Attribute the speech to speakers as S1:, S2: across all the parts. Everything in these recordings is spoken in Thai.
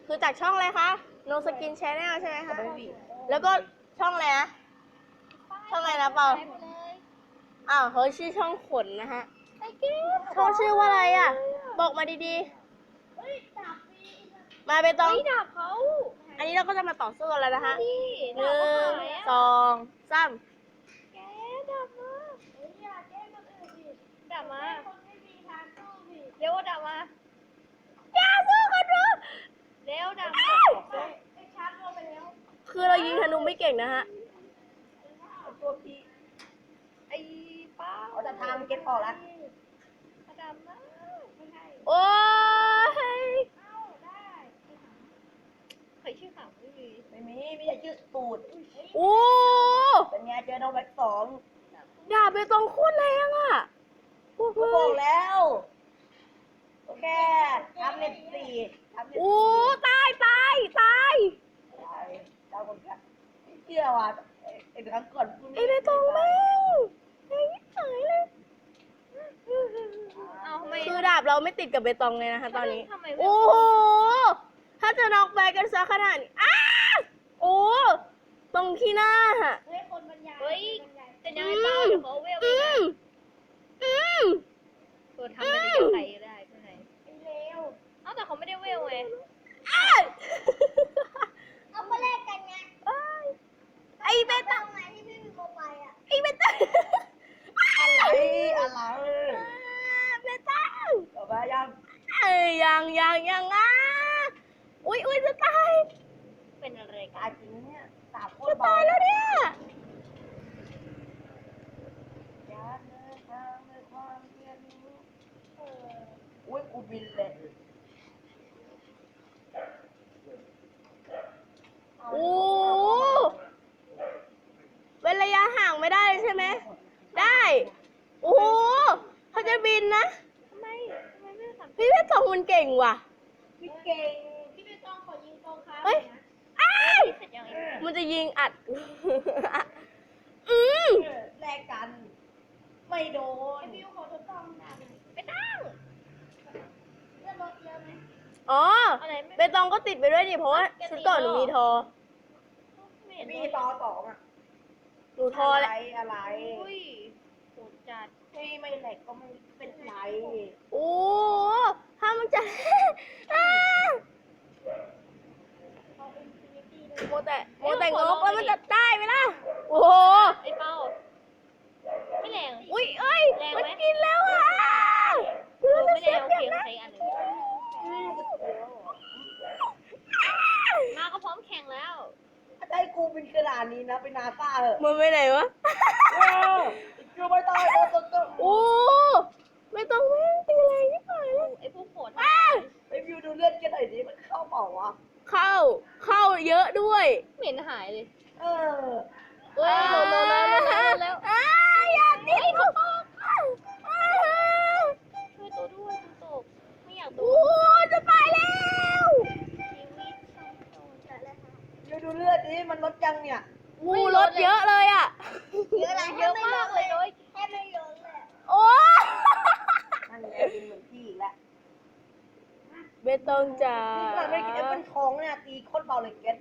S1: คือจากช่องอะไรคะ No Skin Channel ใช่ไหมคะ แล้วก็ช่องอะไรนะ ช่องอะไรนะเปล่าอ้าวเขาชื่อช่องขนนะฮะช่องชื่อว่าอะไรอ่ะ บอกมาดีๆ มาไปตอง
S2: ไม่ดับเขา
S1: อันนี้เราก็จะมาต่อสู้กันแล้วนะคะ
S2: นี่
S1: ห
S2: ดับ
S1: นึ่
S2: เขา
S1: ง
S2: หาย
S1: ส
S2: อ่ะ
S1: องสาม
S2: แกดับมาดับมาเร็วดับมา
S1: อย่าสู้กันดู
S2: เร็วดับมา
S1: คือเรายิงธนูไม่เก่งนะฮะ
S3: ตัวพี่
S2: ไอ้เป้า
S3: เขาจะทำเก็ตออกแล้ว
S2: ดับมา
S1: โอ้ย
S2: เคยชื่อข่าวไม่มี
S3: ไม่ใช่ชื่อตูด
S1: โอ้
S3: เป็นไงเจอน้องแบ็คสอง
S1: ดาบไปตองโคตรแรงอ่ะพวก
S3: กู
S1: เล
S3: บอก
S1: ย
S3: แล้วโอเคทำเน็ตสี่ทำเน็ต
S1: โอ้
S3: สี่
S1: ตายตายตาย
S3: เจ้าคนกันเชื่อว่ะไอ้ครั้งก่อนกู
S1: ไอ้ไปตองแม่งไอ้ตายเลย
S2: เอาทำไม
S1: คือดาบเราไม่ติดกับเบตองเลยนะคะตอนนี้
S2: ทำไมไม่
S1: โอ้โห ถ้าจะน็อกแบกกันซะขนาดนี้อ้าโอ้ ตรงที่หน้า
S2: เฮ้ยจะยังไงเป้าเดี๋ยวเขาเวลไป
S1: อื
S2: ไง
S1: มอืม
S2: ตัวทำอะไรกับใครก็ได้ข้างในเอ้าแต่เขาไม่ได้เวลไง
S1: อ้า
S4: เอามาแลกกันไง
S1: ไอ้เบตอง
S4: ไงที่ไม่มีโมบายอ่ะ
S1: ไอ้เบตอง
S3: อะไร
S1: เบตอง
S3: ต่อไปยัง
S1: เอ้ยยังอ่ะอุ้ยจะตาย
S2: เป็นอะไรกั
S3: ตาน ยจริงเนี่ยสามคน
S1: จะตายแล้วเนี่ย
S3: ยาเดินทางด้วยความเรียนรู้อุ้ยกูบินเลย
S1: โอ้เว้นระยะห่างไม่ได้เลยใช่ไหม ได้ โอ้โหเขาจะบินนะ
S2: ทำไมไม่ทำ
S1: พี่เพชรสองมันเก่งว่ะ
S3: พี่เก่ง
S4: พี่ไปต้องขอยิงตรงครับ
S1: เฮ้ยอ้าย
S2: เสร็จยังไง
S1: มันจะยิงอัด อืม
S3: แลกกัน ไม่โดน
S4: พี่ขอทดลองหน่อย
S2: ไม่ตั้ง
S4: เลือดลดเยอะไหม
S1: อ๋อ
S2: อะไรไม่
S1: เบตองก็ติดไปด้วยดิ เพราะว่าชุดก่อนหนูมีทอ
S2: ไม่เห็น
S3: มีต่อสองอ่ะ
S1: หนูทอ
S3: อะ
S1: แห
S3: ไร
S1: ละ
S3: อะไร
S2: อุ้ยโหดจัด
S3: ไม่แหลกก็ไม่เป็นไร
S1: โอ้ถ้ามันจะ อ้าโมแต่งกแล้วมันจะได้ไหมล่ะ โอ้โห
S2: ไอ้เป้าไม่แรง
S1: อุ้ยเอ้ย
S2: แรงไหม
S1: มันกินแล้วอ่ะ
S2: ไม่แรงโอเคเขาใช้อันหนึ่งมาก็พร้อมแข่งแล้ว
S3: ถ้าให้กูเป็นขนาดนี้นะเป็นนาซาเหอะ
S1: มันไปไหนวะ
S3: กูไม่ตายตัว
S1: โอ้ไม่ต้องแม่งตีแรงที่ไหนเลย
S2: ไอ้พวกโหด
S1: อ้า
S3: ไปวิวดูเลือดกันหน่อยดิมันเข้าเปล่าวะ
S1: เข้าเยอะด้วย
S2: เหม็นหายเลย
S3: เออ
S2: เว้ยโหดแล้ว
S1: อ้าอย่าติดเขาตก
S2: ช่วยตัวด้วยตัวตกไม่อยากโด
S1: โอ้
S2: น
S1: จะตายแล้ว
S2: ชีวิตโดนจัดเลยค่ะ
S3: วิวดูเลือดดิมันลดยังเนี่ย
S1: งูรถเยอะเลยอ่ะ
S4: เยอะอะไร
S2: เยอะมากเลยโดย
S4: แค่ไม่ลดเลย
S1: โอ้
S3: นั่นแหละเป็นเหมือนพี่อีกแล้ว
S1: เบตองจ๋า
S3: นี่ขนาดไม่กินแอปเปิลทองเนี่ยตีโคตรเบาเลยเก็ต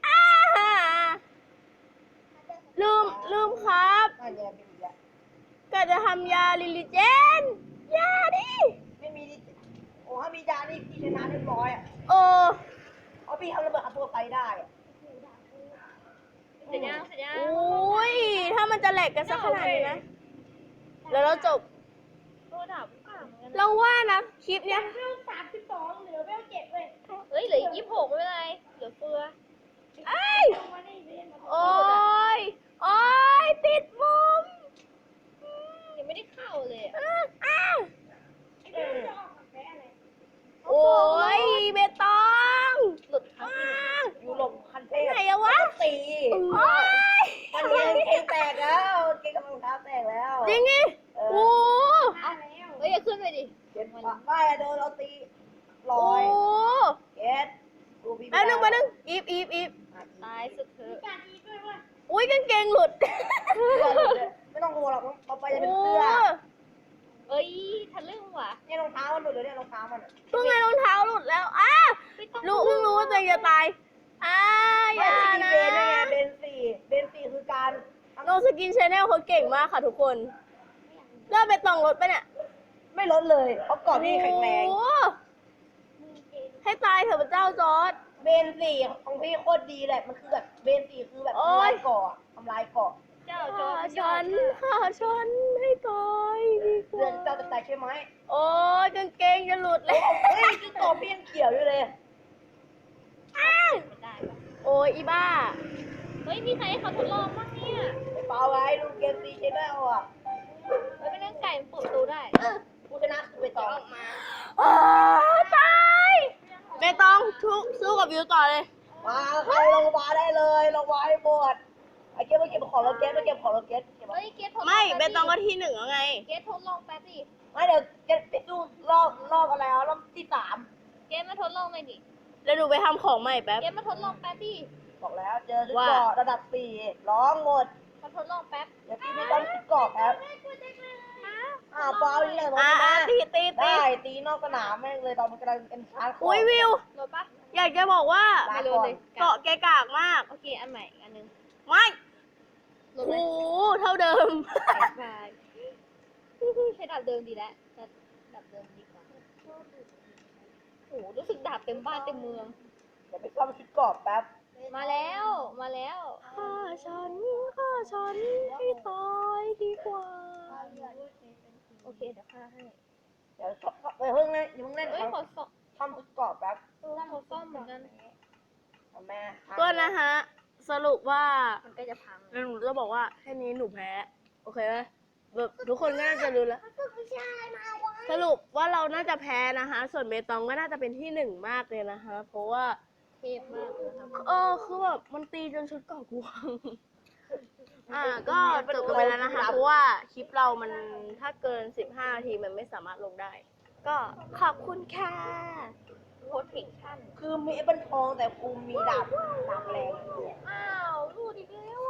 S1: ลืมครับ
S3: นั่นแหละเป็นอีกแล้ว
S1: ก็จะทำยาลิลิเจนยาดิ
S3: ไม่มีดิโอ้ถ้ามียานี่พี่ชนะเรียบร้อยอ่ะ
S1: โอ้
S3: เอาพี่ทำระเบิดอัดตัวไฟได้อะ
S2: เสร็จยัง
S1: โอ้ยถ้ามันจะแหลกกันสักขนาดนี้นะ แล้วเราจบ
S2: ตัวดาบกลางเหมือนกัน
S1: เราว่านะคลิปเนี้ย
S4: เวล32เหลือเวล7เว้ย
S2: เฮ้ยเหลือ26ไม่เป็นไรเหลือเฟือ
S1: เอ้ย
S4: มาได้เรียนมา
S1: โอ้ยโอ้ยติดมุม
S2: ยังไม่ได้เข้าเลยอะ
S1: อ้าว
S4: ไอ้พี่จะออกกับแพ้อะไร
S1: โอ้ยเบตอง
S2: หลุดครับ
S1: อ้าว
S3: อยู่หลบคันเทพ
S1: ไหนอะวะ
S3: แล้วก็ตี
S1: โอ้ย
S3: มันเองเกงแตกแล้วเกงกำลังเท้าแตกแล้ว
S1: จริงไง
S3: เอ
S1: โอ้
S3: อ
S4: มาแล้ว
S2: เฮ้ยอย่าขึ้นไปดิ
S3: เก็ตไม่อะโดนเราตีล
S1: โอ้
S3: อยเก็ตดูพี่
S1: แป๊บนึงอีฟ
S2: ตายสุดเถอะ
S4: การดีด้วยเว้ย
S1: อุ้ยกางเกงหลุด
S3: ไม่ต้องกลัวหรอกต่อไปจะเป็น
S1: โอ้
S3: เสื้อ
S2: เอ้ยทะลึ่งว่ะ
S3: เนี่ยรองเท้ามันหลุดเลยเนี่ยรองเท้ามันอะ
S1: เพิ่งไงรองเท้าหลุดแล้วอ้า
S2: ไม่ต้อง
S1: เพิ่งรู้ว่าตัวตัวเองจะตายอย่า
S3: ไม่
S1: นะ
S3: มีเบนด้วยไงเบนสี่คือการ
S1: โนสกินชาแนลเขาเก่งมากค่ะทุกคนเริ่มไปตองรถไปเนี่ย
S3: ไม่ลดเลยเพราะเกาะพี่แข็งแรง
S1: โอ้โหให้ตายเถอะพระเจ้าจอร์ด
S3: เบนสี่ของพี่โคตรดีแหละมันคือแบบเบนสี่คือแบบ
S1: โอ๊
S3: ทำลาย ยเกาะทำลายเกาะ
S2: เจ้าโจ
S1: ฆ่าร
S2: มันยอ
S1: ฉั
S2: ด
S1: น
S2: มาก
S1: ฆ่าฉันให้ตายดีก
S3: เดือ
S1: ว่าน
S3: เจ้าจะแตกใช่ไหม
S1: โอ้ยกางเกงจะหลุดเลย
S3: เฮ้ยที่เกาะพี่ยังเขียวอยู่เลย
S2: ไม่ได้ปะ
S1: โอ้ยอีบ้า
S2: เฮ้ยมีใครให้เขาทดลองบ้างเนี่ย
S3: ไอ้เปล่าไงดูเกมซีชแนลอ่ะ
S2: เฮ้ยเป็นเรื่องไก่มันเปิดประตูได้
S3: ผู้ชนะคือไปต่อ
S1: ตายเบตองสู้กับวิวต่อเลย
S3: มาใครลงมาได้เลยลงมาให้หมดไอ้เกมมาเก็บของเราเกมมาเก็บของเราเกมเก็บ
S2: เฮ้ยเกตทดลอง
S1: ไม่เบ
S2: แป๊บ
S1: ตองก็
S2: ดิ
S1: ที่หนึ่งแล้วไง
S2: เกตทดลองแป๊บดิ
S3: ไม่เดี๋ยวเกมไปดูรอบอะไรอ่ะรอบที่สาม
S2: เกตมาทดลองเลยดิ
S1: แล้วดูไปทำของใหม่แป๊บ
S2: เกตมาทดลองแป๊บดิ
S3: บอกแล้วเจอชุด
S1: ว่า
S3: เกาะระดับสี่ร้องหมด
S2: มาทดลองแป๊บ
S3: เดี๋ยวพี่ไม่ต้องชุดเกาะแป๊บอ้าวเปล่าอีกแล้ว
S1: ตี
S3: ได้ตีนอกสนามแม่งเลยตอนมันกำลังเป็นชาร์จ
S1: อุ้ยวิว
S2: โหลดปะ
S1: อยากจะบอกว่า
S2: ไม่โหลดเลย
S1: เกาะแกกากมาก
S2: โอเคอันใหม่อีกอันนึง
S1: ไม่
S2: โหลด
S1: โอ้
S2: เลย
S1: โหเท่าเดิม
S2: บายใช้ดาบเดิมดีแล้วแต่ดาบเดิมดีกว่าโอ้โหรู้สึกดาบเต็มบ้านเต็มเมือง
S3: เดี๋ยวไปซ่อมชุดเกาะแป๊บ
S2: มาแล้วมาแล้ว
S1: ฆ่าฉันให้ตายดีกว่า
S2: โอเคเดี๋ยวฆ่าให้
S3: เดี๋ยวไปเพิ่งเล่นอย่าเพิ่งเล่น
S2: เอ้ยขอซ่อม
S3: ซ่อมชุดเกาะแป๊บ
S2: ขอซ่อมเหมือนกัน
S3: เอาแม่
S1: ก็นะฮะ สรุปว่า
S2: มันใกล้จะพัง
S1: แล้วหนูจะบอกว่าแค่นี้หนูแพ้ โอเคไหมแบบทุกคนก็น่าจะรู้แล้ว สรุปว่าเราน่าจะแพ้นะคะ ส่วนเบตองก็น่าจะเป็นที่หนึ่งมากเลยนะคะ เพราะว่า
S2: เทพมากเลยครับ
S1: คือแบบมันตีจนชุดเก่ากูพัง ก็จบกันไปแล้วนะคะ เพราะว่าคลิปเรามันถ้าเกิน 15 นาทีมันไม่สามารถลงได้ ก็ขอบคุณค่ะ
S2: โคตรเก่งชั่น
S3: คือมีไอ้บันทองแต่กูมีดาบแรง
S2: อ้าวรูดอีกแล้ว